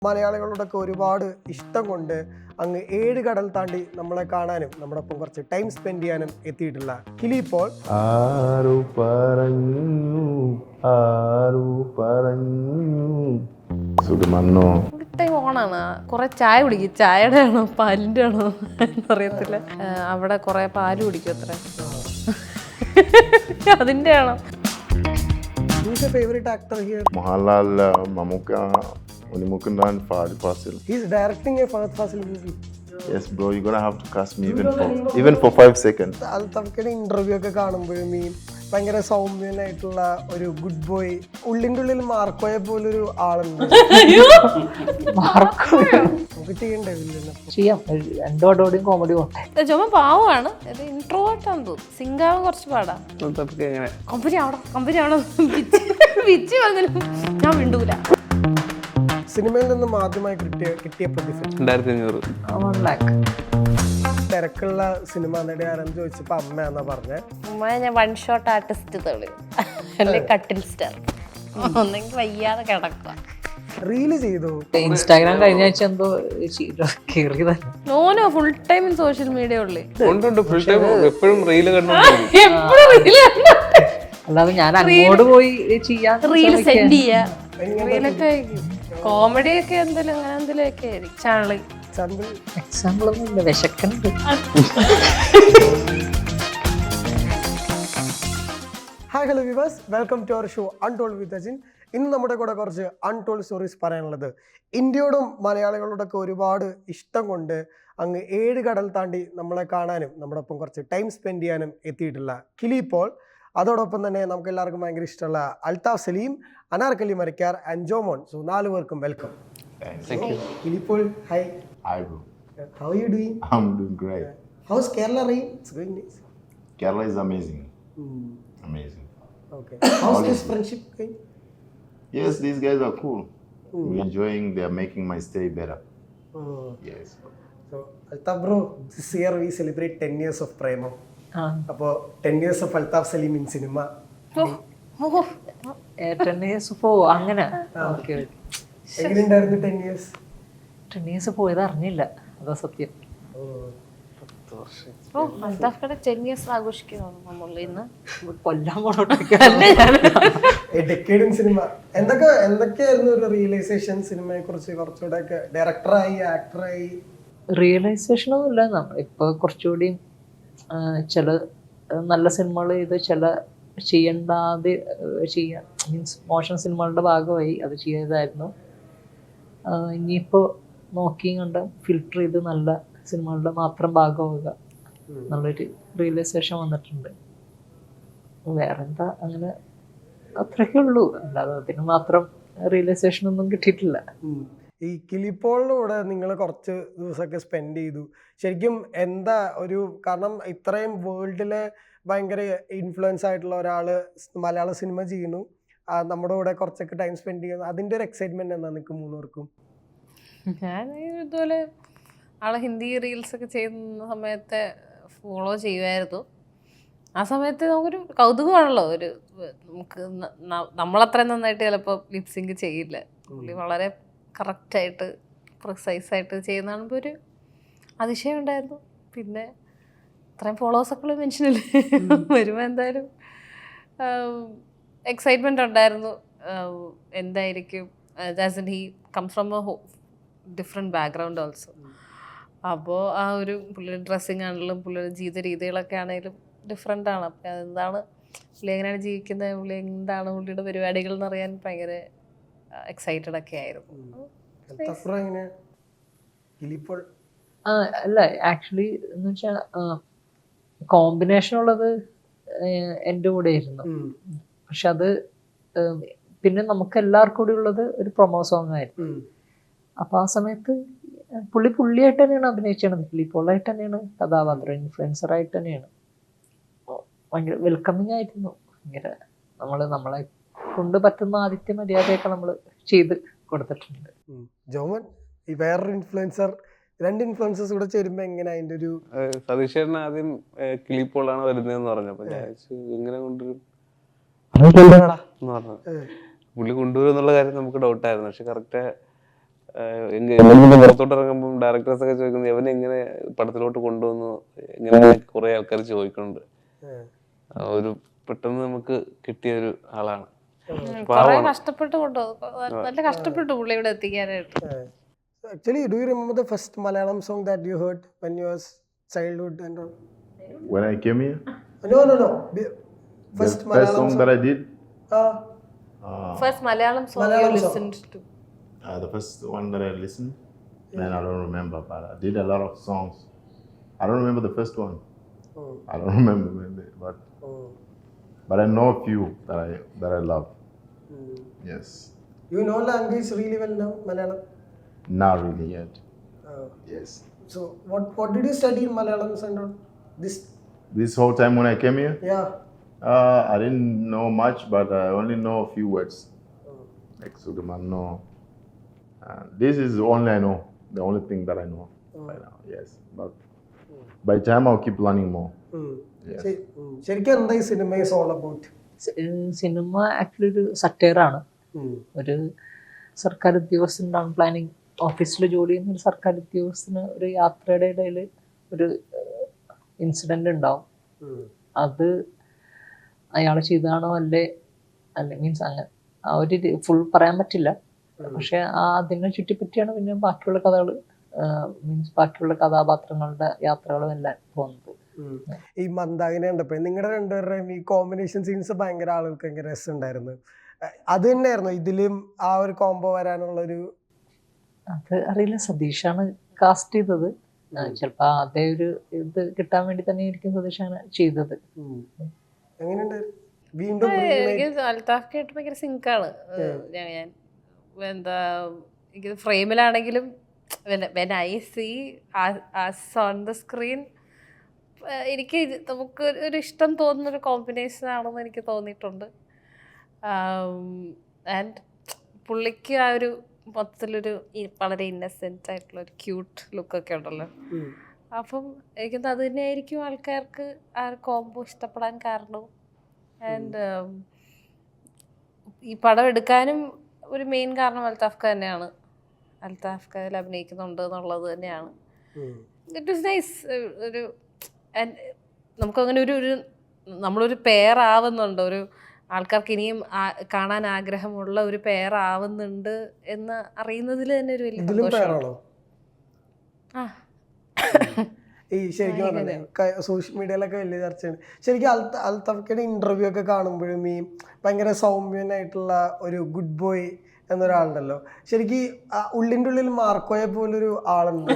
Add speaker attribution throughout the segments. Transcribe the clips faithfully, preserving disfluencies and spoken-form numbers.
Speaker 1: മലയാളികളോടൊക്കെ ഒരുപാട് ഇഷ്ടം കൊണ്ട് അങ്ങ് ഏഴ് കടൽ താണ്ടി നമ്മളെ കാണാനും നമ്മുടെ ഒപ്പം കുറച്ച് ടൈം സ്പെൻഡ് ചെയ്യാനും എത്തിയിട്ടുള്ള കിലി പോൾ.
Speaker 2: ആരു പറഞ്ഞു ആരു പറഞ്ഞു സുഖമന്നോ
Speaker 3: ടൈം ഓണാണ്. കുറെ ചായ കുടിക്കും. ചായയുടെ ആണോ പാലിന്റെ ആണോ അറിയത്തില്ല. അവിടെ കുറെ പാല് കുടിക്കും അത്ര. അതിന്റെ ആണോ?
Speaker 1: Who's your favorite actor here?
Speaker 2: Mohanlal, Mammookka, Unni Mukundan, Fahadh Faasil.
Speaker 1: He's directing a Fahad Fasil movie.
Speaker 2: Yes bro, you're gonna have to cast me even for even for five seconds.
Speaker 1: അൽത്താഫ്ക്കയുടെ ഇന്റർവ്യൂ ഒക്കെ കാണുമ്പോഴും ഈ ഭയങ്കര സൗമ്യനായിട്ടുള്ള ഒരു ഗുഡ് ബോയ്, ഉള്ളിൻ്റെ ഉള്ളിൽ മാർക്കോയെ പോലൊരു ആളുണ്ട്. നമുക്ക് ചെയ്യണ്ടേ വില്ലനെ?
Speaker 4: ചെയ്യാം. രണ്ടോടോടെയും കോമഡി പോട്ടെ.
Speaker 3: ചുമ പാവമാണ്. ഇത് ഇൻട്രോവേർട്ടാന്ന് തോന്നുന്നു. സിംഗാവ് കുറച്ച് പാടാ. കമ്പനി ആവണം കമ്പനി ആവണം വിച്ച് പറഞ്ഞാലും ഞാൻ വിണ്ടൂല.
Speaker 1: സിനിമയിൽ നിന്നും ആദ്യമായി കിട്ടിയ കിട്ടിയ പ്രതിഫലം
Speaker 5: രണ്ടായിരത്തി അഞ്ഞൂറ്
Speaker 4: വൺ ലാക്ക്.
Speaker 1: തിരക്കുള്ള സിനിമ നടി ആരെന്ന് ചോദിച്ചപ്പോ അമ്മയാന്നാ പറഞ്ഞേ.
Speaker 3: ഉമ്മ ഞാൻ വൺ ഷോട്ട് ആർട്ടിസ്റ്റ് തെളി അല്ലെ കട്ടിൽ സ്റ്റാർ ഒന്നെങ്കിൽ വയ്യാതെ കിടക്കുക.
Speaker 1: റീല് ചെയ്തു.
Speaker 4: ഇൻസ്റ്റാഗ്രാം കഴിഞ്ഞ ആഴ്ച എന്തോ കയറിയതല്ല.
Speaker 3: No no full time in social media only.
Speaker 5: ഉണ്ട് ഫുൾ ടൈം എപ്പോഴും റീല് കണ്ടോണ്ടിരിക്കും.
Speaker 4: അല്ലാതെ ഞാൻ അങ്ങോട്ട് പോയി ചെയ്യാൻ
Speaker 3: റീൽ സെൻഡ് ചെയ്യാ. റീലൊക്കെ കോമഡി ഒക്കെ എന്തെങ്കിലും അങ്ങനെ എന്തെങ്കിലും ഒക്കെ ആയിരിക്കും. ചാനല്
Speaker 1: ചന്ദ്രൻ
Speaker 4: എക്സാമ്പിൾ ഒന്നും ഇല്ല. വിശക്കുന്നുണ്ട്.
Speaker 1: Hi hello viewers, welcome to our show untold with Ajin. ഇന്ന് നമ്മുടെ കൂടെ കുറച്ച് അൺടോൾഡ് സ്റ്റോറീസ് പറയാനുള്ളത്. ഇന്ത്യയോടും മലയാളികളോടൊക്കെ ഒരുപാട് ഇഷ്ടം കൊണ്ട് അങ്ങ് ഏഴ് കടൽ താണ്ടി നമ്മളെ കാണാനും നമ്മുടെ ഒപ്പം കുറച്ച് ടൈം സ്പെൻഡ് ചെയ്യാനും എത്തിയിട്ടുള്ള കിലി പോൾ. അതോടൊപ്പം തന്നെ നമുക്ക് എല്ലാവർക്കും ഭയങ്കര ഇഷ്ടമുള്ള അൽത്താഫ് സലീം, അനാർക്കലി മരക്കാർ ആൻഡ് ജോമോൻ. സോ നാല് പേർക്കും welcome. Kili Paul, hi.
Speaker 2: Hi bro.
Speaker 1: How are you doing?
Speaker 2: I'm doing great.
Speaker 1: How's Kerala rain? It's going nice.
Speaker 2: Kerala is amazing.
Speaker 1: Hmm.
Speaker 2: Amazing.
Speaker 1: Okay. How's this friendship going?
Speaker 2: Yes, these guys are cool.
Speaker 1: Mm.
Speaker 2: We're enjoying, they're making my stay better.
Speaker 1: Oh.
Speaker 2: Yes.
Speaker 1: So, Altaf bro, this year we celebrate ten years of Prema.
Speaker 4: ആ
Speaker 1: അപ്പോൾ ten years of Althaf Salim in cinema.
Speaker 4: Ten years പോ അങ്ങനെ. Okay.
Speaker 1: എങ്ങനെയുണ്ടായിരുന്നു ten years?
Speaker 4: Ten years പോയത് അറിഞ്ഞില്ല. അതാ സത്യം.
Speaker 3: ഓ അൽത്താഫ്ക്കടെ ten years ആഘോഷിക്കുന്നു നമ്മൾ ഇന്ന്.
Speaker 4: കൊല്ലാൻ പോണോട്ടെ.
Speaker 1: Decade in cinema. എന്തൊക്കെ എന്തൊക്കെയായിരുന്നു ഒരു റിയലൈസേഷൻ സിനിമയെ കുറിച്ച്? കുറച്ചുകൂടെ ഒക്കെ ഡയറക്ടറായി ആക്ടറായി
Speaker 4: റിയലൈസേഷൻ ഒന്നും ഇല്ല. നമ്മൾ ഇപ്പൊ കുറച്ചുകൂടി ചില നല്ല സിനിമകൾ ചെയ്ത് ചില ചെയ്യണ്ടാതെ ചെയ്യാൻ മീൻസ് മോശം സിനിമകളുടെ ഭാഗമായി അത് ചെയ്തതായിരുന്നു. ഇനിയിപ്പോൾ നോക്കി കണ്ട് ഫിൽട്ടർ ചെയ്ത് നല്ല സിനിമകളുടെ മാത്രം ഭാഗമാവുക എന്നുള്ളൊരു റിയലൈസേഷൻ വന്നിട്ടുണ്ട്. വേറെന്താ, അങ്ങനെ അത്രയൊക്കെ ഉള്ളൂ. അല്ലാതെ അതിന് മാത്രം റിയലൈസേഷൻ ഒന്നും കിട്ടിയിട്ടില്ല.
Speaker 1: ഈ കിലിപ്പോളിൻ്റെ കൂടെ നിങ്ങൾ കുറച്ച് ദിവസമൊക്കെ സ്പെൻഡ് ചെയ്തു. ശരിക്കും എന്താ ഒരു, കാരണം ഇത്രയും വേൾഡിലെ ഭയങ്കര ഇൻഫ്ലുവൻസ് ആയിട്ടുള്ള ഒരാൾ മലയാള സിനിമ ചെയ്യുന്നു, നമ്മുടെ കൂടെ കുറച്ചൊക്കെ ടൈം സ്പെൻഡ് ചെയ്യുന്നു, അതിൻ്റെ ഒരു എക്സൈറ്റ്മെൻറ്റ് എന്താ നിങ്ങൾക്ക് മൂന്നുപേർക്കും?
Speaker 3: ഞാൻ ഇതുപോലെ ആളെ ഹിന്ദി റീൽസ് ഒക്കെ ചെയ്യുന്ന സമയത്ത് ഫോളോ ചെയ്യുമായിരുന്നു. ആ സമയത്ത് നമുക്കൊരു കൗതുകമാണല്ലോ. ഒരു നമുക്ക് നമ്മളത്രയും നന്നായിട്ട് ചിലപ്പോൾ ലിപ്സിങ്ക് ചെയ്യില്ല. പുള്ളി വളരെ കറക്റ്റായിട്ട് പ്രിസൈസായിട്ട് ചെയ്യുന്ന കാണുമ്പോൾ ഒരു അതിശയം ഉണ്ടായിരുന്നു. പിന്നെ ഇത്രയും ഫോളോവേഴ്സൊക്കെ മെൻഷനില്ലേ വരുമ്പോൾ എന്തായാലും എക്സൈറ്റ്മെൻറ്റ് ഉണ്ടായിരുന്നു. എന്തായിരിക്കും as in he comes from a different background also. അപ്പോൾ ആ ഒരു പുള്ളിയുടെ ഡ്രസ്സിങ് ആണെങ്കിലും പുള്ളിയുടെ ജീവിത രീതികളൊക്കെ ആണെങ്കിലും ഡിഫറെൻ്റ് ആണ്. അപ്പം അതെന്താണ് പുള്ളി എങ്ങനെയാണ് ജീവിക്കുന്നത്, പുള്ളി എന്താണ് പുള്ളിയുടെ പരിപാടികൾ എന്നറിയാൻ ഭയങ്കര എക്സൈറ്റഡ് ഒക്കെ ആയിരുന്നു.
Speaker 4: അല്ല ആക്ച്വലി എന്ന് വെച്ചാൽ കോമ്പിനേഷൻ ഉള്ളത് എൻ്റെ കൂടെ ആയിരുന്നു. പക്ഷെ അത് പിന്നെ നമുക്ക് എല്ലാവർക്കും കൂടി ഉള്ളത് ഒരു പ്രൊമോ സോങ് ആയിരുന്നു. അപ്പൊ ആ സമയത്ത് പുള്ളി പുള്ളിയായിട്ട് തന്നെയാണ് അഭിനയിച്ചത്. കിളിപ്പോളായിട്ട് തന്നെയാണ് കഥാപാത്രം, ഇൻഫ്ലുവൻസർ ആയിട്ട് തന്നെയാണ്. ഭയങ്കര വെൽക്കമിങ് ആയിരുന്നു. ഭയങ്കര നമ്മള് നമ്മളെ കൊണ്ട് പറ്റുന്ന ആദിത്യ മര്യാദയൊക്കെ നമ്മൾ ചെയ്ത് കൊടുത്തിട്ടുണ്ട്.
Speaker 1: ജോമൻ, ഈ വേറൊരു ഇൻഫ്ലുവൻസർ, രണ്ട് ഇൻഫ്ലുവൻസേഴ്സ് കൂടെ ചേരുമ്പോ എങ്ങനെ അതിന്റെ ഒരു?
Speaker 5: സതീഷേട്ടൻ ആദ്യം കിളിപ്പോളാണ് വരുന്നതെന്ന് പറഞ്ഞപ്പോ ഞാൻ ഇങ്ങനെ കൊണ്ടുവരും എന്ന് പറഞ്ഞു. പുള്ളി കൊണ്ടുവരും എന്നുള്ള കാര്യം നമുക്ക് ഡൗട്ടായിരുന്നു. പക്ഷെ കറക്റ്റ് പുറത്തോട്ട് ഇറങ്ങുമ്പോൾ ഡയറക്ടേഴ്സ് ഒക്കെ ചോദിക്കുന്നത് എവനെ എങ്ങനെ പടത്തിലോട്ട് കൊണ്ടുവന്നു, എങ്ങനെ കുറെ ആൾക്കാർ ചോദിക്കുന്നുണ്ട്. ആ ഒരു പെട്ടെന്ന് നമുക്ക് കിട്ടിയ ഒരു ആളാണ്.
Speaker 3: കുറെ കഷ്ടപ്പെട്ട് കൊണ്ടുപോകും, നല്ല കഷ്ടപ്പെട്ടു പുള്ളി ഇവിടെ എത്തിക്കാനായിട്ട്.
Speaker 1: Actually, do you remember the first Malayalam song that you heard when you was childhood and all?
Speaker 2: When I came here,
Speaker 1: No, no, no. Be- First
Speaker 2: the first
Speaker 1: Malayalam
Speaker 2: song
Speaker 1: song.
Speaker 2: that I did,
Speaker 1: Ah,
Speaker 2: uh,
Speaker 3: first Malayalam song you
Speaker 1: Malayalam song.
Speaker 3: Listened to?
Speaker 2: uh, the first one that I listened, man, I don't remember, but I did a lot of songs. I don't remember the first one.
Speaker 1: oh,
Speaker 2: I don't remember, maybe, but
Speaker 1: oh.
Speaker 2: but I know a few that I that I love.
Speaker 1: Hmm.
Speaker 2: Yes,
Speaker 1: You know language really well now, Malayalam?
Speaker 2: not really yet.
Speaker 1: Oh.
Speaker 2: Yes,
Speaker 1: So, what what did you study in Malayalam and all? This,
Speaker 2: this whole time when I came here,
Speaker 1: yeah.
Speaker 2: uh, I didn't know much, but I only know a few words
Speaker 1: Oh.
Speaker 2: like Sugamano. Uh, this is the only I know. The only thing that I know right now. Yes, but by time I'll keep learning more.
Speaker 1: Hmm.
Speaker 2: Yes.
Speaker 1: ശരി- ഉം. ശരിക്കും എന്താ ഈ cinema is all about?
Speaker 4: Cinema actually ഒരു സറ്റയറാണ്. ഒരു സർക്കാർ ഉദ്യോഗസ്ഥൻ ടൗൺ പ്ലാനിങ് ഓഫീസിൽ ജോലി ചെയ്യുന്ന ഒരു സർക്കാർ ഉദ്യോഗസ്ഥന് ഒരു യാത്രയുടെ ഇടയിൽ ഒരു ഇൻസിഡന്റ് ഉണ്ടാവും. അത് അയാൾ ചെയ്താണോ അല്ലേ അല്ലെ മീൻസ് അങ്ങനെ ആ ഒരു ഫുൾ പറയാൻ പറ്റില്ല. പക്ഷെ ആ അതിനെ ചുറ്റിപ്പറ്റിയാണ് പിന്നെ ബാക്കിയുള്ള കഥകൾ മീൻസ് ബാക്കിയുള്ള കഥാപാത്രങ്ങളുടെ യാത്രകളും എല്ലാം പോകുന്നത്.
Speaker 1: ഈ മന്ദാകിനെ കണ്ടപ്പോ നിങ്ങളുടെ രണ്ടുപേരുടെയും ഈ കോമ്പിനേഷൻ സീൻസ് ഭയങ്കര ആളുകൾക്ക് ഭയങ്കര രസമുണ്ടായിരുന്നു. അത് തന്നെയായിരുന്നു ഇതിലും ആ ഒരു കോംബോ വരാനുള്ള ഒരു?
Speaker 4: അത് അറിയില്ല, സതീഷാണ് കാസ്റ്റ് ചെയ്തത്. ചിലപ്പോ അതേ ഒരു ഇത് കിട്ടാൻ വേണ്ടി തന്നെ ആയിരിക്കും സതീഷ് അങ്ങനെ ചെയ്തത്.
Speaker 1: എങ്ങനെയുണ്ടായിരുന്നു വീണ്ടും?
Speaker 3: എനിക്ക് അൽത്താഫ് കേട്ട് ഭയങ്കര സിങ്കാണ്. ഞാൻ ഞാൻ എന്താ എനിക്ക് ഫ്രെയിമിലാണെങ്കിലും when I see on the screen എനിക്ക് ഇത് നമുക്ക് ഒരു ഇഷ്ടം തോന്നുന്നൊരു കോമ്പിനേഷൻ ആണെന്ന് എനിക്ക് തോന്നിയിട്ടുണ്ട്. ആൻഡ് പുള്ളിക്ക് ആ ഒരു മൊത്തത്തിലൊരു വളരെ ഇന്നസെൻ്റ് ആയിട്ടുള്ള ഒരു ക്യൂട്ട് ലുക്കൊക്കെ ഉണ്ടല്ലോ. അപ്പം എനിക്കത് അത് തന്നെയായിരിക്കും ആൾക്കാർക്ക് ആ ഒരു കോംബോ ഇഷ്ടപ്പെടാൻ കാരണവും. ആൻഡ് ഈ പടം എടുക്കാനും ഒരു മെയിൻ കാരണം അൽത്താഫ് ഖാൻ തന്നെയാണ്. അൽത്താഫ് ഖാൻ അതിൽ അഭിനയിക്കുന്നുണ്ട് എന്നുള്ളത് തന്നെയാണ്. It was nice. ഒരു നമുക്കങ്ങനെ ഒരു ഒരു നമ്മളൊരു പെയറാവുന്നുണ്ട്, ഒരു ആൾക്കാർക്ക് ഇനിയും കാണാൻ ആഗ്രഹമുള്ള ഒരു പെയറാവുന്നുണ്ട് എന്ന് അറിയുന്നതിൽ തന്നെ ഒരു വലിയ സന്തോഷമാണ്. ആ
Speaker 1: ഈ ശരിക്കും പറഞ്ഞേ സോഷ്യൽ മീഡിയയിലൊക്കെ വലിയ ചർച്ചയാണ്. ശരിക്കും അൽത്ത അൽത്താഫിന്റെ ഇന്റർവ്യൂ ഒക്കെ കാണുമ്പോഴും ഈ ഭയങ്കര സൗമ്യനായിട്ടുള്ള ഒരു ഗുഡ് ബോയ് എന്നൊരാളുണ്ടല്ലോ. ശരിക്കും ഉള്ളിൻ്റെ ഉള്ളിൽ മാർക്കോയെ പോലൊരു ആളുണ്ട്.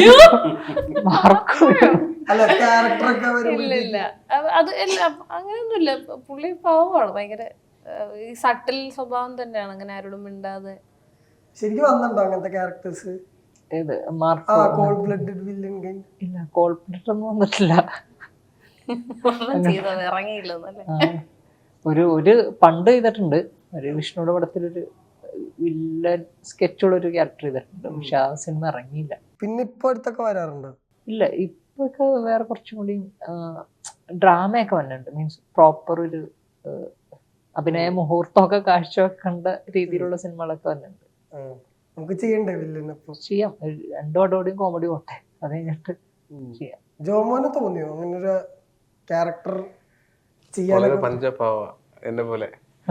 Speaker 1: അല്ല ക്യാരക്ടറൊക്കെ
Speaker 3: ഇല്ല അത് എല്ലാം അങ്ങനെയൊന്നുമില്ല. പുള്ളി പാവമാണ്, ഭയങ്കര ഈ സട്ടിൽ സ്വഭാവം തന്നെയാണ്, അങ്ങനെ ആരോടും മിണ്ടാതെ.
Speaker 1: ശരിക്കും വന്നിട്ടുണ്ടോ അങ്ങനത്തെ ക്യാരക്ടേഴ്സ്?
Speaker 4: ഏത്
Speaker 1: ആ
Speaker 4: Marco?
Speaker 1: Cold blooded villain game?
Speaker 4: ഇല്ല, കോൾഡ് ബ്ലഡ് ഒന്നും വന്നിട്ടില്ല.
Speaker 3: ചെയ്തത് ഇറങ്ങിയില്ലെന്നല്ലേ.
Speaker 4: ഒരു ഒരു പണ്ട് ചെയ്തിട്ടുണ്ട്, ഒരു വിഷ്ണുയുടെ പടത്തിലൊരു വില്ലൻ സ്കെച്ചുള്ള ഒരു ക്യാരക്ടർ ചെയ്തിട്ടുണ്ട്. പക്ഷെ ആ സിനിമ ഇറങ്ങിയില്ല.
Speaker 1: പിന്നെ ഇപ്പൊ അടുത്തൊക്കെ വരാറുണ്ടോ?
Speaker 4: ഇല്ല, ഇപ്പൊക്കെ വേറെ കുറച്ചും കൂടി ഡ്രാമയൊക്കെ വന്നിട്ടുണ്ട്. മീൻസ് പ്രോപ്പർ ഒരു അഭിനയ മുഹൂർത്തമൊക്കെ കാഴ്ചവെക്കേണ്ട രീതിയിലുള്ള സിനിമകളൊക്കെ വന്നിട്ടുണ്ട്.
Speaker 1: നമുക്ക് ചെയ്യണ്ടേ വില്ലൻ? അപ്പൊ
Speaker 4: ചെയ്യാം, രണ്ടു അടോടെയും കോമഡി പോട്ടെ, അത് കഴിഞ്ഞിട്ട് ചെയ്യാം.
Speaker 1: ജോമോന് തോന്നിയോ അങ്ങനെ ഒരു ക്യാരക്ടർ ചെയ്യാൻ?
Speaker 5: പഞ്ചപാവ എന്നെ പോലെ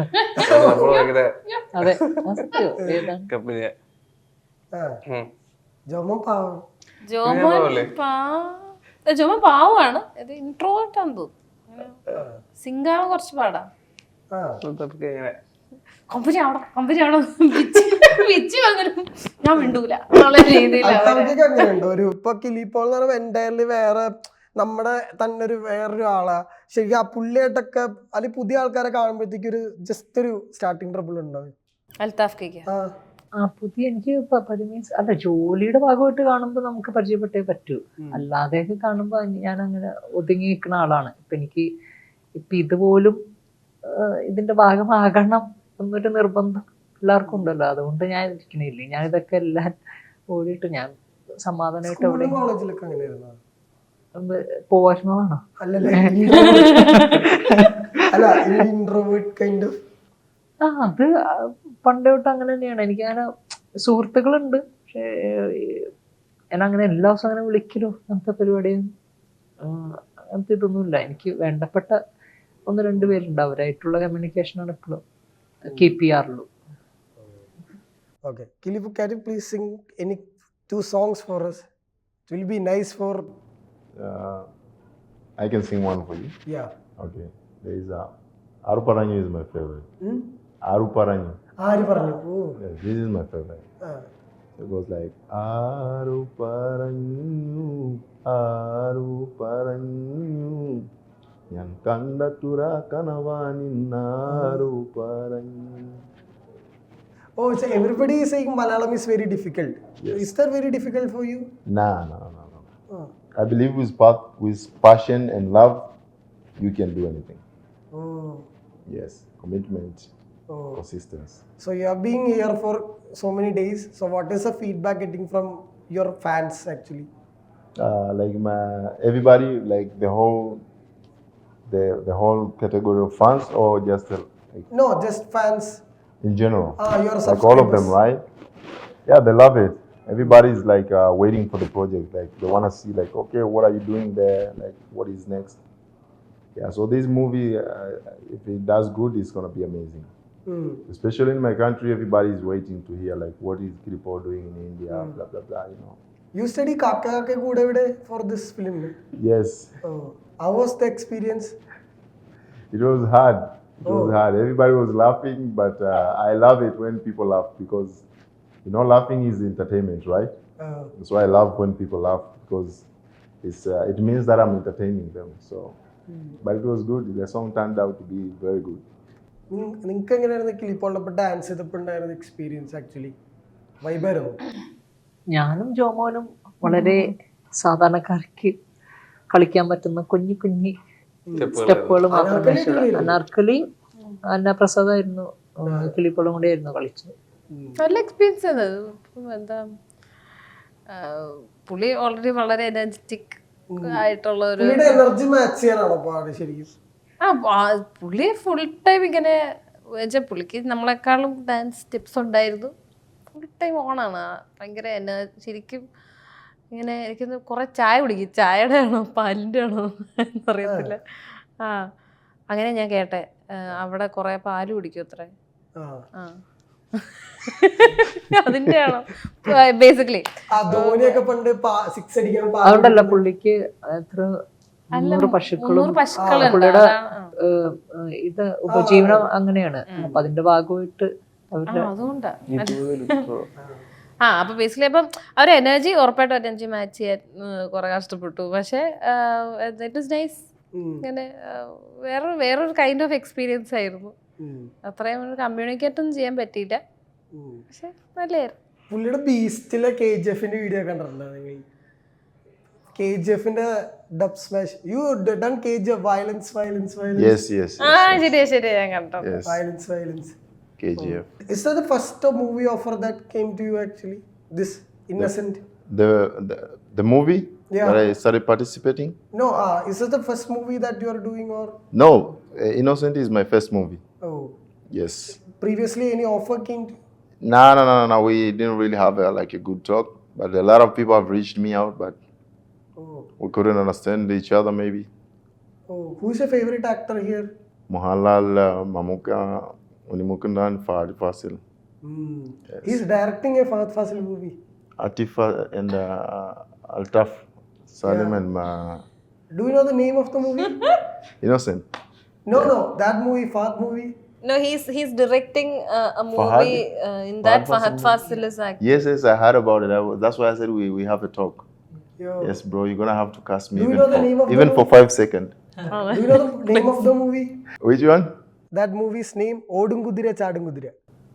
Speaker 4: അതെ, ഏതാണ്
Speaker 5: കമ്പനിയാ.
Speaker 1: ജോമോൻ പാവം.
Speaker 3: ജോമോൻ പാ ജോമോൻ പാവമാണ്. ഇത് ഇൻട്രോവേർട്ട് ആണെന്ന് തോന്നുന്നു. സിംഗാണ് കുറച്ച് പാടാ. കമ്പനി അവിടെ കമ്പനി അവിടെ പിച്ച് വന്നിട്ട് ഞാൻ മിണ്ടൂല എന്നുള്ള രീതിയിലാണ്.
Speaker 1: അങ്ങനെയുണ്ട് ഒരു ഇപ്പൊ കിലിപ്പോൾ എന്ന് പറയുമ്പോ എൻറ്റയർലി വേറെ നമ്മുടെ തന്നെ ഒരു വേറൊരു ആളാ. ശരിക്കും ആ പുള്ളിയായിട്ടൊക്കെ അല്ലെങ്കിൽ പുതിയ ആൾക്കാരെ കാണുമ്പോഴത്തേക്ക് ഒരു ജസ്റ്റ് ഒരു സ്റ്റാർട്ടിങ് ട്രബിൾ ഉണ്ടാവും.
Speaker 3: അൽത്താഫ് കേക്ക്
Speaker 1: ആ
Speaker 4: ആ പുതിയ എനിക്ക് മീൻസ് അല്ല, ജോലിയുടെ ഭാഗമായിട്ട് കാണുമ്പോൾ നമുക്ക് പരിചയപ്പെട്ടേ പറ്റൂ. അല്ലാതെയൊക്കെ കാണുമ്പോൾ ഞാൻ അങ്ങനെ ഒതുങ്ങി നിൽക്കുന്ന ആളാണ്. ഇപ്പൊ എനിക്ക് ഇപ്പൊ ഇതുപോലും ഇതിന്റെ ഭാഗമാകണം എന്നൊരു നിർബന്ധം എല്ലാവർക്കും ഉണ്ടല്ലോ. അതുകൊണ്ട് ഞാൻ ഇരിക്കണില്ലേ, ഞാൻ ഇതൊക്കെ എല്ലാം ഓടിയിട്ട് ഞാൻ സമാധാനമായിട്ട് എവിടെ
Speaker 1: കോളേജിലൊക്കെ അങ്ങനെയായിരുന്നു.
Speaker 4: പോവാറുന്നതാണോ?
Speaker 1: അല്ലല്ലേ അല്ല ഇൻട്രോവേർട്ട് കൈൻഡ് ഓഫ്.
Speaker 4: ആ അത് പണ്ട് തൊട്ട് അങ്ങനെ തന്നെയാണ്. എനിക്ക് അങ്ങനെ സുഹൃത്തുക്കളുണ്ട്. പക്ഷേ ഞാൻ അങ്ങനെ എല്ലാ ദിവസവും അങ്ങനെ വിളിക്കലോ അങ്ങനത്തെ പരിപാടിയും അങ്ങനത്തെ ഇതൊന്നുമില്ല. എനിക്ക് വേണ്ടപ്പെട്ട ഒന്ന് രണ്ട് പേരുണ്ട്, അവരായിട്ടുള്ള കമ്മ്യൂണിക്കേഷനാണ് എപ്പോഴും കീപ്പ് ചെയ്യാറുള്ളൂ.
Speaker 1: Okay. Kilipu, can you please sing any two songs for us? It will be nice for.
Speaker 2: Uh, I can sing one for you.
Speaker 1: Yeah.
Speaker 2: Okay. There is a Aruparanyu is my favorite.
Speaker 1: Hmm?
Speaker 2: Aruparanyu.
Speaker 1: ആര് പറഞ്ഞു? Oh.
Speaker 2: Yes, this is my favorite.
Speaker 1: Ah.
Speaker 2: It goes like Aruparanyu, Aruparanyu, ഞാൻ കണ്ടത്തുര കനവാനിന്നാരുപറഞ്ഞു.
Speaker 1: Oh, so everybody is saying Malayalam is very difficult.
Speaker 2: Yes.
Speaker 1: Is that very difficult for you?
Speaker 2: Nah, no, no, no.
Speaker 1: Oh.
Speaker 2: I believe with path, with passion and love, you can do anything.
Speaker 1: Oh.
Speaker 2: Yes, commitment,
Speaker 1: Oh.
Speaker 2: consistency.
Speaker 1: So you are being here for so many days. So what is the feedback getting from your fans actually?
Speaker 2: Uh, like my everybody, like the whole, the the whole category of fans, or just uh, like
Speaker 1: No, just fans.
Speaker 2: in general,
Speaker 1: Ah, your
Speaker 2: like all of them,
Speaker 1: subscribers.
Speaker 2: right? Yeah, they love it. Everybody is like uh, waiting for the project. Like they want to see, like, okay, what are you doing there? Like, what is next? Yeah, so this movie, uh, if it does good, it's gonna be amazing.
Speaker 1: Hmm.
Speaker 2: Especially in my country, everybody is waiting to hear like what is Kilipo doing in India, blah blah blah. You know.
Speaker 1: You study Kaka Kake Kudavide for this film.
Speaker 2: Yes,
Speaker 1: Oh. How was the experience?
Speaker 2: it was hard. It was
Speaker 1: Oh.
Speaker 2: hard. Everybody was laughing, but uh, I love it when people laugh because, you know, laughing is entertainment, right?
Speaker 1: Uh,
Speaker 2: So I love when people laugh because it's uh, it means that I'm entertaining them. So, but it was good. The song turned out to be very good.
Speaker 1: നിങ്ങൾക്ക് എങ്ങനെയായിരുന്നു കിളിപ്പോളപ്പോൾ dance ചെയ്തപ്പോൾ ഉണ്ടായിരുന്ന experience actually? വൈബായിരുന്നു?
Speaker 4: ഞാനും ജോമോനും വളരെ സാധാരണക്കാർക്ക് കളിക്കാൻ പറ്റുന്ന കുഞ്ഞു കുഞ്ഞി സ്റ്റെപ്പുകൾ മാത്രമേ
Speaker 1: അനാർക്കലി
Speaker 4: ഉള്ളൂ. അനാർക്കലി അന്നപ്രസാദായിരുന്നു, കിളിപ്പോളും കൂടെ ആയിരുന്നു കളിച്ചത്.
Speaker 3: നല്ല എക്സ്പീരിയൻസ് ആണ്. ഇപ്പം എന്താ ആ, പുള്ളി ഓൾറെഡി വളരെ എനർജറ്റിക് ആയിട്ടുള്ള ഒരു
Speaker 1: പുള്ളിയുടെ എനർജി മാച്ച് ചെയ്യാനാണോ പാട് ശരിക്കും?
Speaker 3: ആ ആ, പുള്ളി ഫുൾ ടൈം ഇങ്ങനെ വെച്ചാൽ പുള്ളിക്ക് നമ്മളെക്കാളും ഡാൻസ് ടിപ്സ് ഉണ്ടായിരുന്നു. ഫുൾ ടൈം ഓണാണ്. ഭയങ്കര എന ശരിക്കും ഇങ്ങനെ എനിക്കൊന്ന് കുറേ ചായ കുടിക്കും. ചായയുടെ ആണോ പാലിൻ്റെ ആണോ എന്നറിയത്തില്ല. ആ അങ്ങനെ ഞാൻ കേട്ടെ. ആ, അവിടെ കുറേ പാല് കുടിക്കും അത്രേ.
Speaker 1: ആ.
Speaker 3: ആ അതിൻ്റെ ആണോ ബേസിക്കലി?
Speaker 1: ആ ധോനിയൊക്കെ പണ്ട് സിക്സ് അടിക്കാൻ പാ-
Speaker 4: അതുകൊണ്ടല്ല പുള്ളിക്ക് എത്ര മുന്നൂറ് പശുക്കളും
Speaker 3: മുന്നൂറ് പശുക്കളുണ്ട്.
Speaker 4: പുള്ളിയുടെ
Speaker 3: അതാണ്.
Speaker 4: ഏഹ്, ഏഹ്, ഇത് ഉപജീവനം അങ്ങനെയാണ്. അപ്പൊ അതിന്റെ ഭാഗമായിട്ട്
Speaker 3: ആ,
Speaker 4: അവരുടെ
Speaker 3: അതുകൊണ്ടാ.
Speaker 5: ഇരുപത് ലിറ്ററോ
Speaker 3: ആ അപ്പൊ ബേസിക്കലി അപ്പം അവർ എനർജി ഉറപ്പായിട്ടും എനർജി മാച്ച് ചെയ്യാൻ കുറെ കഷ്ടപ്പെട്ടു. പക്ഷേ ഇറ്റ് ഇസ് നൈസ്.
Speaker 1: ഉം.
Speaker 3: ഇങ്ങനെ ആ, വേറെ വേറൊരു കൈൻഡ് ഓഫ് എക്സ്പീരിയൻസ് ആയിരുന്നു.
Speaker 1: ഉം.
Speaker 3: അത്രയും കമ്മ്യൂണിക്കേറ്റ് ഒന്നും ചെയ്യാൻ പറ്റിയില്ല.
Speaker 1: ഉം.
Speaker 3: പക്ഷെ നല്ലായിരുന്നു.
Speaker 1: പുള്ളിയുടെ ബീസ്റ്റിലെ കെ ജി എഫിന്റെ വീഡിയോ കണ്ടിട്ടുണ്ടോ നിങ്ങൾ? കെ ജി എഫിന്റെ Dubsmash. You done K G F violence violence violence
Speaker 2: Yes, yes,
Speaker 3: ആ
Speaker 2: yes,
Speaker 3: ശരിയാ ശരിയാ ഞാൻ കണ്ടോ.
Speaker 2: yes.
Speaker 1: Violence violence.
Speaker 2: K G F.
Speaker 1: Is that the first uh, movie offer that came to you actually? This Innocent?
Speaker 2: The, the the movie
Speaker 1: Yeah.
Speaker 2: that I started participating.
Speaker 1: No, uh, is this the first movie that you are doing or?
Speaker 2: No, uh, Innocent is my first movie.
Speaker 1: Oh,
Speaker 2: Yes.
Speaker 1: previously any offer came to?
Speaker 2: No, no, no, no, no. We didn't really have a, like a good talk, but a lot of people have reached me out, but
Speaker 1: Oh,
Speaker 2: we couldn't understand each other. Maybe
Speaker 1: oh, who's your favorite actor here?
Speaker 2: Mohanlal, uh, Mamuka, Unimukundan, Fahad Fasil,
Speaker 1: Hmm. He's directing a Fahad Fasil movie.
Speaker 2: Atif, uh, and uh, Altaf, Salim,
Speaker 1: Yeah.
Speaker 2: and uh,
Speaker 1: Do you know the name of the movie?
Speaker 2: Innocent.
Speaker 1: No, no, that movie, Fahad movie.
Speaker 3: No, he's he's directing uh, a
Speaker 2: Fahad?
Speaker 3: movie uh, in that
Speaker 2: Fahad
Speaker 3: Fahad Fasil is acting.
Speaker 2: Yes, yes, I heard about it. I was, that's why I said we, we have a talk.
Speaker 1: Yo.
Speaker 2: Yes, bro, you're gonna have to cast me
Speaker 1: Do you
Speaker 2: even,
Speaker 1: know the
Speaker 2: for,
Speaker 1: name of the
Speaker 2: even for
Speaker 1: movie?
Speaker 2: five seconds.
Speaker 1: Do you know the name of the movie?
Speaker 2: Which one?
Speaker 1: That movie's name, Odum Kudira Chadum Kudira.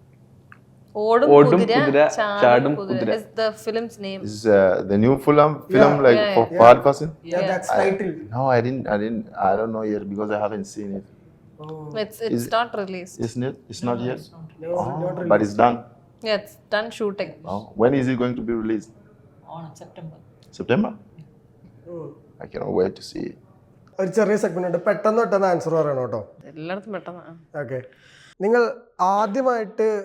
Speaker 3: Odum
Speaker 5: Odum
Speaker 3: Kudira,
Speaker 5: Kudira,
Speaker 3: Chadum
Speaker 5: Chadum
Speaker 3: Kudira
Speaker 5: Kudira.
Speaker 3: is the film's name.
Speaker 2: This is uh, the new film, film
Speaker 1: Yeah.
Speaker 2: like
Speaker 3: Yeah,
Speaker 2: for
Speaker 1: yeah.
Speaker 2: Fahad Fasil.
Speaker 1: Yeah,
Speaker 3: Yeah.
Speaker 1: that's title.
Speaker 2: No, I didn't. I didn't. I don't know yet because I haven't seen it.
Speaker 1: Oh,
Speaker 3: It's it's
Speaker 2: Is-
Speaker 3: not released.
Speaker 2: Isn't it? It's not yet.
Speaker 1: no,
Speaker 2: Oh,
Speaker 1: not really.
Speaker 2: but it's done.
Speaker 3: Yeah, it's done shooting.
Speaker 2: Oh, when is it going to be released?
Speaker 4: September.
Speaker 2: September.
Speaker 1: Hmm.
Speaker 2: I cannot wait to see it.
Speaker 1: ഒരു ചെറിയ segment ഉണ്ട്, പെട്ടെന്ന് പെട്ടെന്ന് answer പറയണം കേട്ടോ.
Speaker 3: എല്ലായിടത്തും പെട്ടെന്ന്.
Speaker 1: Okay. നിങ്ങൾ ആദ്യമായിട്ട്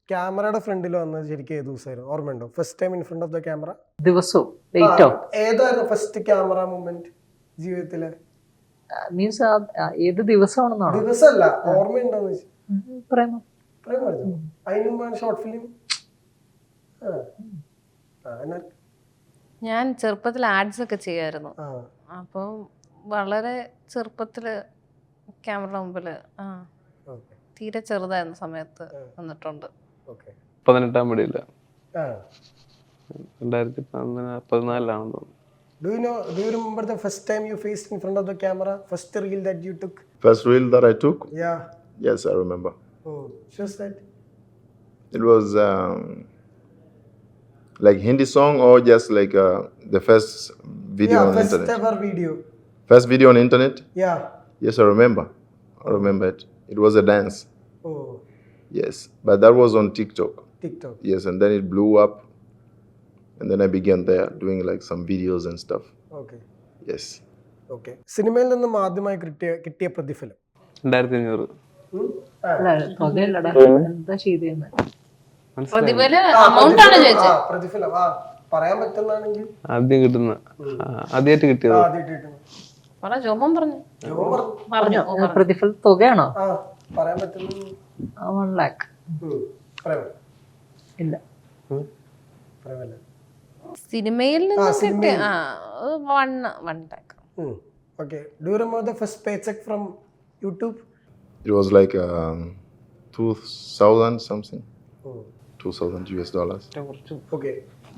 Speaker 1: ക്യാമറയുടെ ഫ്രണ്ടിൽ വന്നത് ശരിക്കും ഏത് ദിവസമായിരുന്നു ഓർമ്മയുണ്ടോ? First time in front of the camera
Speaker 4: ദിവസവും ഡേറ്റോ
Speaker 1: ഏതായിരുന്നു? ഫസ്റ്റ് ക്യാമറ മൂമെന്റ് ജീവിതത്തിലെ
Speaker 4: മീൻസ് ഏത് ദിവസമാണെന്നാണോ?
Speaker 1: ദിവസമല്ല, ഓർമ്മയുണ്ടോന്ന് വെച്ചാൽ
Speaker 4: പ്രേമം
Speaker 1: പറയാൻ പറഞ്ഞു. അതിന് മുമ്പാണ് ഷോർട്ട് ഫിലിം. ആ ആ എന്നാ
Speaker 3: ഞാൻ ചെറുപ്പത്തിൽ ആഡ്സ് ഒക്കെ ചെയ്യുമായിരുന്നു.
Speaker 1: ആ
Speaker 3: അപ്പം വളരെ ചെറുപ്പത്തില് ക്യാമറ മുമ്പില് ആ
Speaker 1: ഓക്കെ
Speaker 3: തീരെ ചെറുതായിരുന്ന സമയത്ത് വന്നിട്ടുണ്ട്.
Speaker 1: ഓക്കെ
Speaker 5: പതിനെട്ടാം പടിയില്ല,
Speaker 1: ആ
Speaker 5: രണ്ടായിരത്തി പതിനാ- പതിനാലിലാണെന്ന് തോന്നുന്നു.
Speaker 1: Do you know, do you remember the first time you faced in front of the camera? First reel that you took?
Speaker 2: First reel that I took,
Speaker 1: Yeah.
Speaker 2: yes, I remember.
Speaker 1: Oh, just that.
Speaker 2: It was um, like Hindi song or just like uh, the first video
Speaker 1: Yeah,
Speaker 2: on
Speaker 1: first
Speaker 2: internet.
Speaker 1: ever video.
Speaker 2: First video on internet.
Speaker 1: Yeah.
Speaker 2: Yes, I remember. I remember it. It was a dance.
Speaker 1: Oh,
Speaker 2: Yes, but that was on TikTok.
Speaker 1: TikTok.
Speaker 2: Yes, and then it blew up, and then I began there doing like some videos and stuff.
Speaker 1: Okay.
Speaker 2: Yes.
Speaker 1: Okay. സിനിമയിൽ നിന്നും ആദ്യമായി കിട്ടിയ കിട്ടിയ പ്രതിഫലം.
Speaker 5: രണ്ടായിരത്തി അഞ്ഞൂറ്
Speaker 1: ഉം? ആ.
Speaker 4: അല്ല തുകയല്ലടാ എന്താ ചെയ്തേന്ന്
Speaker 5: മനസ്സിലായി.
Speaker 3: പ്രതിഫല
Speaker 1: ആ,
Speaker 3: amount ആണ്
Speaker 1: പ്രതിഫലം.
Speaker 3: ചോദിച്ചത്.
Speaker 1: ആ, പ്രതിഫലം. ആ, പറയാൻ പറ്റുന്നതാണെങ്കിൽ
Speaker 5: ആദ്യം കിട്ടുന്ന ആ, ആദ്യമായിട്ട് കിട്ടിയത്
Speaker 1: ആദ്യമായിട്ട് കിട്ടുന്നു.
Speaker 3: പറ ജോമൻ പറഞ്ഞു
Speaker 1: ജോ പറഞ്ഞു.
Speaker 3: പറഞ്ഞു
Speaker 4: ഏ, പ്രതിഫല തുകയാണോ?
Speaker 1: ആ, പറയാൻ പറ്റുന്ന
Speaker 4: വൺ ലാക്ക്
Speaker 1: ഉം. പറയാൻ
Speaker 4: ഇല്ല.
Speaker 1: പറയാമല്ല.
Speaker 3: സിനിമയിൽ
Speaker 1: ആ,
Speaker 3: നിന്നും കിട്ടിയ
Speaker 1: സിനിമയിൽ.
Speaker 3: ആ വൺ വൺ ടാക്ക്.
Speaker 1: ഉം. Okay. Do you remember the first paycheck from YouTube?
Speaker 2: It was like um, two thousand something,
Speaker 1: Oh.
Speaker 2: two thousand U S dollars.
Speaker 1: Okay.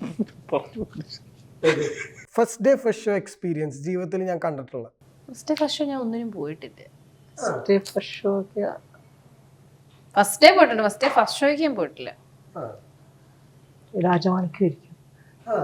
Speaker 1: First day first show experience ജീവിതത്തിൽ ഞാൻ കണ്ടിട്ടുള്ള
Speaker 3: first first ഞാൻ ഒന്നിനും പോയിട്ടില്ല.
Speaker 4: Stay first show ഒക്കെ
Speaker 3: first day പോയിട്ടുണ്ട്, first day first ഷോയ്ക്ക് ഞാൻ പോയിട്ടില്ല.
Speaker 1: ആ
Speaker 4: രാജമാണിക്കായിരിക്കും.
Speaker 1: ആ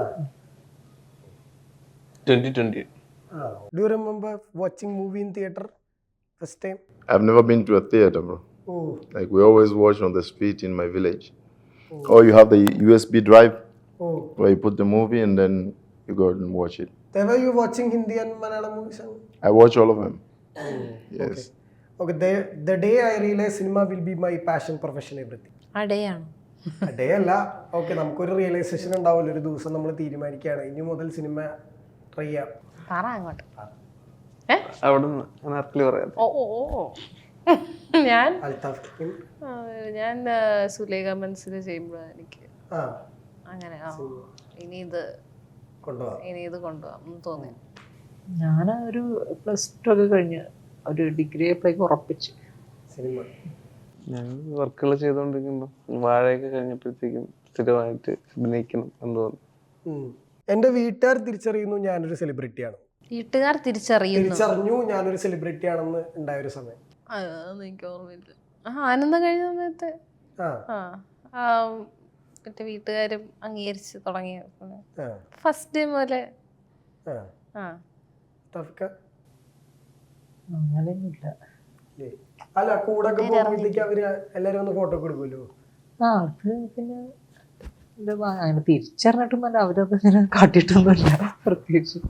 Speaker 5: ട്വന്റി ട്വന്റി
Speaker 1: ആ do you remember watching movie in theatre first time?
Speaker 2: I've never been to a theater, bro.
Speaker 1: Oh
Speaker 2: Like we always watch on the street in my village. Or you have the U S B drive
Speaker 1: oh
Speaker 2: where you put the movie and then you go and watch it.
Speaker 1: were you watching Hindi and Malayalam movies?
Speaker 2: I watch all of them. Yes.
Speaker 1: Okay, the, the day I realized cinema will be my passion, profession, everything.
Speaker 3: ആ day ആണ്.
Speaker 1: Day അല്ല, okay, നമുക്കൊരു realisation ഉണ്ടാവില്ല. ഒരു ദിവസം നമ്മൾ തീരുമാനിക്കുകയാണ് ഇനി മുതൽ സിനിമ ട്രൈ ചെയ്യാം.
Speaker 3: പറ അങ്ങോട്ട്.
Speaker 5: അവിടെ നിന്ന് അനാർക്കലി പറയാം.
Speaker 3: ഓ ഓ ഓ ഞാൻ
Speaker 1: അൽത്താഫ് ടീം.
Speaker 3: ആ, ഞാൻ ആ, സുലേഖ മനസ്സിൽ ചെയ്യുമ്പോഴാണ് എനിക്ക്
Speaker 1: ആ
Speaker 3: അങ്ങനെ ആ ഇനി ഇത്
Speaker 1: കൊണ്ടുപോകാം.
Speaker 3: ഇനി ഇത് കൊണ്ടുപോകാം എന്ന് തോന്നി.
Speaker 4: ഞാൻ ഒരു പ്ലസ് ടു ഒക്കെ കഴിഞ്ഞ് ഒരു ഡിഗ്രി അപ്പോഴേക്ക് ഉറപ്പിച്ചു
Speaker 1: സിനിമ
Speaker 5: ഞാൻ വർക്കുകൾ ചെയ്തുകൊണ്ടിരിക്കുമ്പോൾ വാഴയൊക്കെ കഴിഞ്ഞപ്പോഴത്തേക്കും സ്ഥിരമായിട്ട് അഭിനയിക്കണം എന്ന് തോന്നി.
Speaker 1: ഉം. എൻ്റെ വീട്ടുകാർ തിരിച്ചറിയുന്നു ഞാനൊരു സെലിബ്രിറ്റിയാണ്.
Speaker 3: വീട്ടുകാർ തിരിച്ചറിയുന്നു.
Speaker 1: തിരിച്ചറിഞ്ഞു ഞാനൊരു സെലിബ്രിറ്റി ആണെന്ന് ഉണ്ടായ ഒരു സമയം.
Speaker 3: ആ, അതൊന്നും എനിക്ക് ഓർമ്മയില്ല. ആ ആനന്ദം കഴിഞ്ഞ സമയത്ത്
Speaker 1: ആ
Speaker 3: ആ ആ, മറ്റേ വീട്ടുകാരും അംഗീകരിച്ച് തുടങ്ങിയ
Speaker 1: ആ
Speaker 3: ഫസ്റ്റ് ടൈം പോലെ.
Speaker 1: ആ
Speaker 3: ആ
Speaker 1: തഫ്ക
Speaker 4: അങ്ങനെയൊന്നുമില്ല.
Speaker 1: ഇല്ലേ? അല്ല, കൂടെ ഒക്കെ പോകുമ്പോഴത്തേക്ക് അവര് എല്ലാരും ഒന്ന് ഫോട്ടോ ഒക്കെ എടുക്കുമല്ലോ.
Speaker 4: ആ അത് പിന്നെ ഇത് വാ- അങ്ങനെ തിരിച്ചറിഞ്ഞിട്ടൊന്നുമല്ല, അവരത് ഇങ്ങനെ കാട്ടിയിട്ടൊന്നുമില്ല പ്രത്യേകിച്ച്.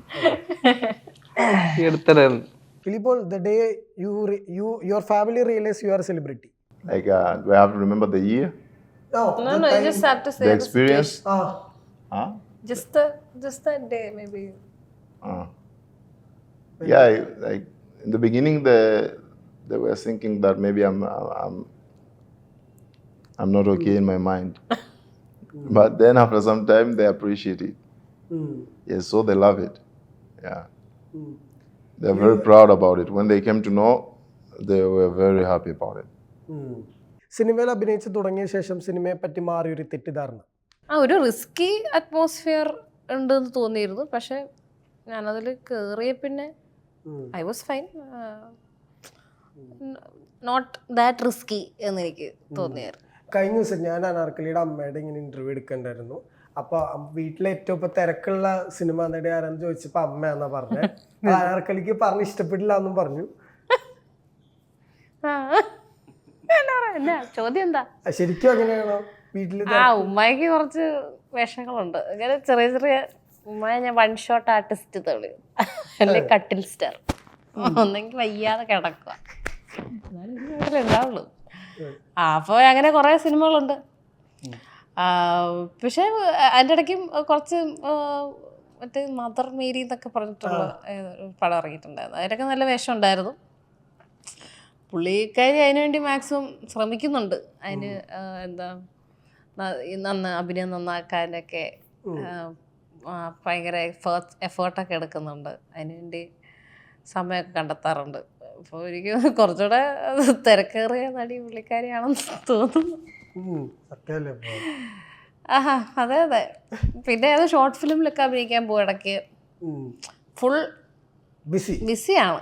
Speaker 5: ഈ അടുത്തിടെ
Speaker 1: Filippo, the day you re- you your family realize you are a celebrity.
Speaker 2: Like, uh, do I have to remember the year?
Speaker 1: No,
Speaker 3: No,
Speaker 1: the
Speaker 3: no, you
Speaker 1: time-
Speaker 3: just have to say
Speaker 2: The
Speaker 3: the
Speaker 2: experience?
Speaker 1: Ah,
Speaker 2: Huh?
Speaker 3: Just the just that day maybe.
Speaker 2: Uh, yeah, I- like in the beginning, they they were thinking that maybe I'm I'm I'm not okay in my mind, but then after some time they appreciate it.
Speaker 1: mm,
Speaker 2: Yes, so they love it. Yeah,
Speaker 1: mm.
Speaker 2: they're very proud about it. When they came to know, they were very happy about it.
Speaker 1: ഉം. സിനിമയിൽ അഭിനയിച്ച് തുടങ്ങിയ ശേഷം സിനിമയെ പറ്റി മാറിയൊരു തെറ്റിദ്ധാരണ.
Speaker 3: ആ ഒരു റിസ്കി അറ്റ്മോസ്ഫിയർ ഉണ്ടെന്ന് തോന്നിയിരുന്നു. പക്ഷെ ഞാനതിൽ കയറിയ പിന്നെ
Speaker 1: ഉം.
Speaker 3: I was fine, not that risky എന്ന് എനിക്ക് തോന്നിയായിരുന്നു.
Speaker 1: കഴിഞ്ഞ ദിവസം ഞാൻ അനാർക്കലിയുടെ അമ്മയുടെ ഇങ്ങനെ ഇന്റർവ്യൂ എടുക്കണ്ടായിരുന്നു. അപ്പൊ വീട്ടിലെ ഏറ്റവും ഇപ്പൊ തിരക്കുള്ള സിനിമ നടി ആരാന്ന് ചോദിച്ചപ്പോ അമ്മയാന്നാ പറഞ്ഞത്. അനാർക്കലിക്ക് പറഞ്ഞ് ഇഷ്ടപ്പെട്ടില്ല എന്നും പറഞ്ഞു.
Speaker 3: ആ, എന്നാ പറയാ, എന്നാ ചോദ്യം എന്താ?
Speaker 1: ആ, ശരിക്കും അങ്ങനെയാണോ വീട്ടില്?
Speaker 3: ആ ഉമ്മയ്ക്ക് കുറച്ച് വേഷങ്ങളുണ്ട് ഇങ്ങനെ ചെറിയ ചെറിയ. ഉമ്മയെ ഞാൻ വൺ ഷോട്ട് ആർട്ടിസ്റ്റ് തെളി അല്ലെ കട്ടിൽ സ്റ്റാർ, ഒന്നെങ്കിൽ വയ്യാതെ കിടക്കുക, എന്നാലും ഉണ്ടാവുള്ളൂ. ആ അപ്പോൾ അങ്ങനെ കുറേ സിനിമകളുണ്ട്. പക്ഷേ അതിൻ്റെ ഇടയ്ക്കും കുറച്ച് മറ്റേ മദർ മേരി എന്നൊക്കെ പറഞ്ഞിട്ടുള്ള ഒരു പടം ഇറങ്ങിയിട്ടുണ്ടായിരുന്നു. അതിലൊക്കെ നല്ല വേഷം ഉണ്ടായിരുന്നു. പുള്ളിക്കാരി അതിനുവേണ്ടി മാക്സിമം ശ്രമിക്കുന്നുണ്ട്. അതിന് എന്താ നന്ന അഭിനയം നന്നാക്കാനൊക്കെ ഭയങ്കര എഫേർട്ട് എഫേർട്ടൊക്കെ എടുക്കുന്നുണ്ട്. അതിനുവേണ്ടി സമയമൊക്കെ കണ്ടെത്താറുണ്ട്. അപ്പോൾ എനിക്ക് കുറച്ചുകൂടെ തിരക്കേറിയ നടി പുള്ളിക്കാരിയാണെന്ന് തോന്നുന്നു. ആഹാ അതെ അതെ. പിന്നെ അത് ഷോർട്ട് ഫിലിമിലൊക്കെ അഭിനയിക്കാൻ പോകും ഇടയ്ക്ക്. ഫുൾ
Speaker 1: ബിസി
Speaker 3: ബിസിയാണ്.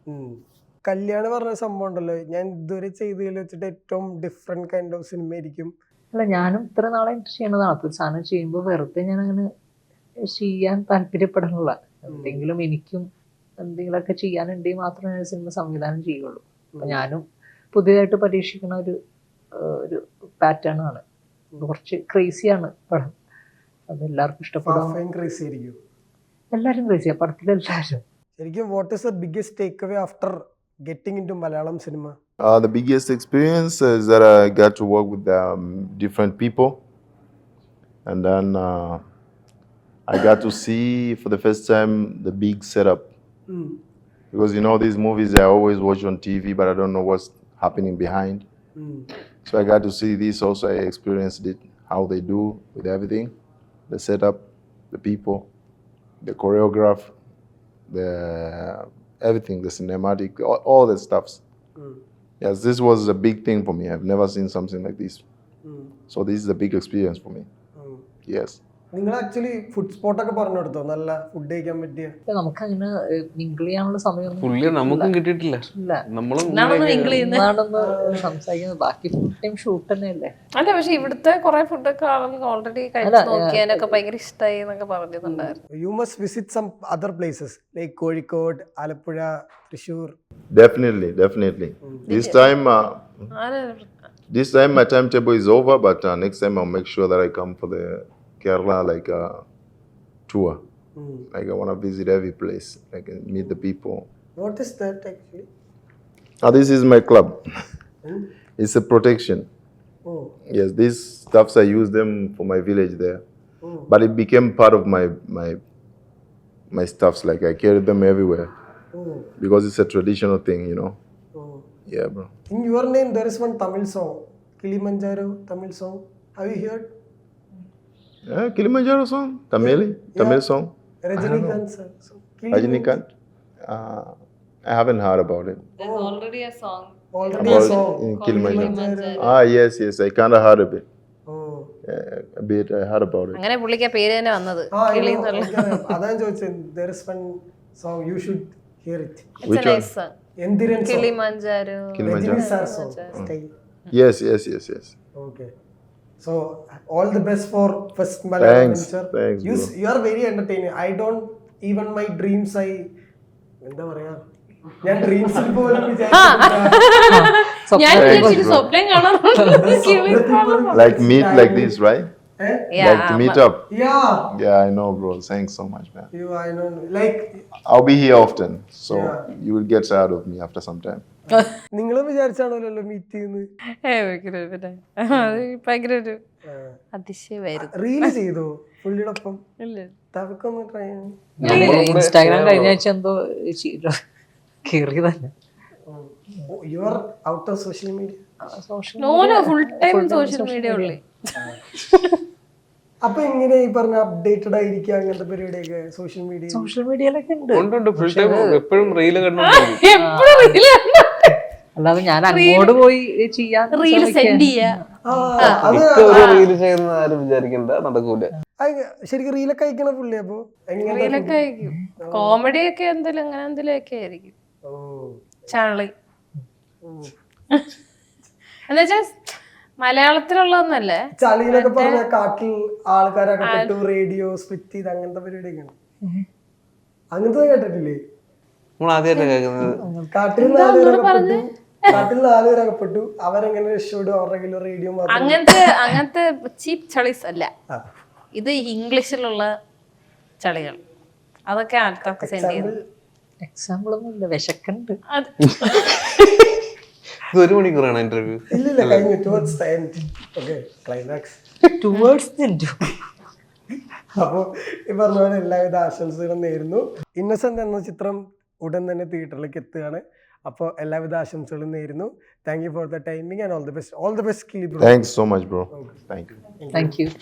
Speaker 1: കല്യാണം പറഞ്ഞ സംഭവം ഉണ്ടല്ലോ, ഞാൻ ഇതുവരെ ചെയ്തതിൽ വെച്ചിട്ട് ഏറ്റവും ഡിഫറെന്റ് കൈൻഡ് ഓഫ് സിനിമ ആയിരിക്കും.
Speaker 4: അല്ല, ഞാനും ഇത്ര നാളെ ചെയ്യണതാണ്. അപ്പോൾ സാധനം ചെയ്യുമ്പോൾ വെറുതെ ഞാൻ അങ്ങനെ ചെയ്യാൻ താല്പര്യപ്പെടാനുള്ള എന്തെങ്കിലും എനിക്കും എന്തെങ്കിലുമൊക്കെ ചെയ്യാനുണ്ടെങ്കിൽ മാത്രമേ ഞാൻ സിനിമ സംവിധാനം ചെയ്യുള്ളൂ. അപ്പം ഞാനും പുതിയതായിട്ട് പരീക്ഷിക്കുന്ന ഒരു ഒരു പാറ്റേൺ ആണ്. കുറച്ച് ക്രേസിയാണ് പടം. അത് എല്ലാവർക്കും ഇഷ്ടപ്പെടും. എല്ലാവരും ക്രേസിയാണ് പടത്തിലെല്ലാവരും.
Speaker 1: ശരിക്കും what is the biggest take away after getting into Malayalam cinema?
Speaker 2: Uh, the biggest experience is that I got to work with um, different people, and then uh, I got to see for the first time the big setup.
Speaker 1: Mm.
Speaker 2: Because you know these movies I always watch on T V, but I don't know what's happening behind.
Speaker 1: Mm.
Speaker 2: So I got to see this also. I experienced it, how they do with everything, the setup, the people, the choreograph, the everything, the cinematic, all, all the stuffs.
Speaker 1: Mm.
Speaker 2: Yes, this was a big thing for me. I've never seen something like this.
Speaker 1: Mm.
Speaker 2: So this is a big experience for me.
Speaker 1: Mm.
Speaker 2: Yes.
Speaker 1: നിങ്ങൾ actually food സ്പോട്ടൊക്കെ പറഞ്ഞു കൊടുത്തോ? നല്ല food കഴിക്കാൻ പറ്റിയ?
Speaker 4: നമുക്ക് അങ്ങനെ mingle ചെയ്യാനുള്ള സമയം
Speaker 5: പുള്ളി നമുക്കും കിട്ടിയിട്ടില്ല.
Speaker 4: ഇല്ല,
Speaker 5: നമ്മളും
Speaker 4: എന്താണെന്ന് സംസാരിക്കുന്നത്. ബാക്കി ഫുൾ ടൈം ഷൂട്ട് തന്നെയല്ലേ.
Speaker 3: അല്ല, പക്ഷെ ഇവിടുത്തെ കുറെ ഫുഡൊക്കെ ആളുകൾ ഓൾറെഡി കഴിച്ചു നോക്കിയാനൊക്കെ ഭയങ്കര ഇഷ്ടമായി എന്നൊക്കെ പറഞ്ഞിട്ടുണ്ടായിരുന്നു.
Speaker 1: You must visit some other places like Kozhikode, Alappuzha, Thrissur.
Speaker 2: Definitely, definitely. This time, uh, this time my timetable is over, but uh, next time I'll make sure that I come for the Kerala like uh, tour.
Speaker 1: Mm.
Speaker 2: Like I want to visit every place, like and meet the people.
Speaker 1: What is that actually?
Speaker 2: Ah, this is my club.
Speaker 1: Mm.
Speaker 2: It's a protection.
Speaker 1: Oh.
Speaker 2: Yes, these stuffs I use them for my village there,
Speaker 1: Mm.
Speaker 2: but it became part of my my my stuffs. Like I carry them everywhere
Speaker 1: Oh.
Speaker 2: because it's a traditional thing, you know.
Speaker 1: Oh.
Speaker 2: Yeah, bro.
Speaker 1: In your name there is one Tamil song, Kilimanjaro Tamil song. Have you heard?
Speaker 2: Yeah, Kilimanjaro song, Tamil,
Speaker 1: Yeah.
Speaker 2: Tamil song.
Speaker 1: Rajinikanth sir. So,
Speaker 2: Rajinikanth. Uh, I haven't heard about it.
Speaker 3: There's already a song.
Speaker 1: Already a
Speaker 2: About
Speaker 1: song.
Speaker 2: in
Speaker 3: called
Speaker 2: Kilimanjaro.
Speaker 3: Kilimanjaro.
Speaker 2: Ah, yes, yes. I kind of heard a bit.
Speaker 1: Oh.
Speaker 2: Yeah, a bit. I heard about it.
Speaker 3: അങ്ങനെ പുള്ളിക്ക് ആ പേര് തന്നെ വന്നത്
Speaker 1: Ah, I
Speaker 3: കിളി
Speaker 1: know.
Speaker 3: എന്നുള്ള.
Speaker 1: എനിക്കറിയാം. അതാണ് ചോദിച്ചത്. There is one song you should hear it.
Speaker 3: It's
Speaker 2: Which
Speaker 3: a
Speaker 2: one?
Speaker 3: nice song.
Speaker 1: Enthiran song.
Speaker 3: Kilimanjaro.
Speaker 2: Kilimanjaro.
Speaker 1: Rajini sir song. Sky.
Speaker 2: Yes, yes, yes, yes.
Speaker 1: Okay. So all the best for first Malayalam
Speaker 2: Thanks,
Speaker 1: venture.
Speaker 2: thanks,
Speaker 1: You,
Speaker 2: bro.
Speaker 1: you are very entertaining. I don't even my dreams I എന്താ പറയാ, ഞാൻ ഡ്രീംസിൽ പോലും
Speaker 3: ഞാൻ വിചാരിച്ചു സ്വപ്നം കാണാറുണ്ട് കിളി.
Speaker 2: Like meet like this, right?
Speaker 3: Yeah,
Speaker 2: Like to meet up.
Speaker 1: Yeah.
Speaker 2: Yeah, I know, bro. Thanks so much, man.
Speaker 1: You, I know. Like
Speaker 2: I'll be here often, so
Speaker 1: Yeah.
Speaker 2: you will get tired of me after some time.
Speaker 1: നിങ്ങളും വിചാരിച്ചാണല്ലോ meet ചെയ്യുന്നത്.
Speaker 3: ഏ, ഭയങ്കര പിന്നെ അത് ഭയങ്കര ഒരു അതിശയമായിരുന്നു.
Speaker 1: Reel ചെയ്തോ പുള്ളിയുടെ ഒപ്പം?
Speaker 3: ഇല്ല,
Speaker 1: തവക്കൊന്ന് ട്രൈ ചെയ്യണം.
Speaker 4: ഞാൻ ഇൻസ്റ്റാഗ്രാം കഴിഞ്ഞ ആഴ്ച എന്തോ കയറി തന്നെ.
Speaker 1: You are out of social media.
Speaker 3: No no full time social media only.
Speaker 1: അപ്പൊ എങ്ങനെ ഈ പറഞ്ഞ അപ്ഡേറ്റഡ് ആയിരിക്കുക അങ്ങനത്തെ പരിപാടിയൊക്കെ സോഷ്യൽ മീഡിയ?
Speaker 4: സോഷ്യൽ മീഡിയയിലൊക്കെ ഉണ്ട്.
Speaker 5: ഉണ്ട് ഫുൾ ടൈം എപ്പോഴും റീല് കണ്ടോണ്ടിരിക്കും.
Speaker 3: എപ്പോഴും റീല്
Speaker 4: അല്ലാതെ ഞാൻ അങ്ങോട്ട് പോയി ചെയ്യാൻ
Speaker 3: റീല് സെൻഡ് ചെയ്യാ.
Speaker 5: ഇപ്പൊ ഒരു റീല് ചെയ്യുന്ന ആരും വിചാരിക്കണ്ട, നടക്കൂല.
Speaker 1: ശരിക്കും റീലൊക്കെ അയക്കണ പുള്ളി. അപ്പൊ
Speaker 3: റീലൊക്കെ ആയിരിക്കും, കോമഡി ഒക്കെ എന്തെങ്കിലും അങ്ങനെ എന്തെങ്കിലും ഒക്കെ ആയിരിക്കും. ചാളി എന്നുവെച്ചാ മലയാളത്തിലുള്ളതൊന്നല്ലേ.
Speaker 1: ചളിയിലൊക്കെ പറഞ്ഞ കാട്ടിൽ ആൾക്കാരൊക്കെ പെട്ടു, റേഡിയോ സ്പ്ലിറ്റ് ചെയ്ത് അങ്ങനത്തെ പരിപാടിയൊക്കെയാണ്. അങ്ങനത്തെ കേട്ടിട്ടില്ലേ?
Speaker 5: നമ്മൾ ആദ്യമായിട്ട് കേൾക്കുന്നത്.
Speaker 1: കാട്ടിൽ നാലുപേരകപ്പെട്ടു, കാട്ടിൽ നാലുപേരകപ്പെട്ടു, അവരെങ്ങനെ രക്ഷപ്പെടും, അവരുടെ കയ്യിൽ റേഡിയോ മാത്രം.
Speaker 3: അങ്ങനത്തെ അങ്ങനത്തെ ചീപ്പ് ചളീസ് അല്ല ഇത്, ഇംഗ്ലീഷിലുള്ള ചളികൾ. അതൊക്കെ ആൾക്കാർക്ക് സെൻഡ് ചെയ്തു.
Speaker 4: എക്സാമ്പിൾ ഒന്നും ഇല്ല, വിശക്കുണ്ട്.
Speaker 5: ഇത് ഒരു മണിക്കൂറാണ് ഇന്റർവ്യൂ.
Speaker 1: ഇല്ലില്ല, കഴിഞ്ഞു. Towards the end. Okay, climax.
Speaker 4: Towards the end.
Speaker 1: അപ്പോൾ ഈ പറഞ്ഞ പോലെ എല്ലാവിധ ആശംസകളും നേരുന്നു. ഇന്നസെന്റ് എന്ന ചിത്രം ഉടൻ തന്നെ തിയേറ്ററിലേക്ക് എത്തുകയാണ്. അപ്പോൾ എല്ലാവിധ ആശംസകളും നേരുന്നു. Thank you for the timing and all the best. All the best.
Speaker 2: Thanks so much, bro. Thank you.
Speaker 4: Thank U.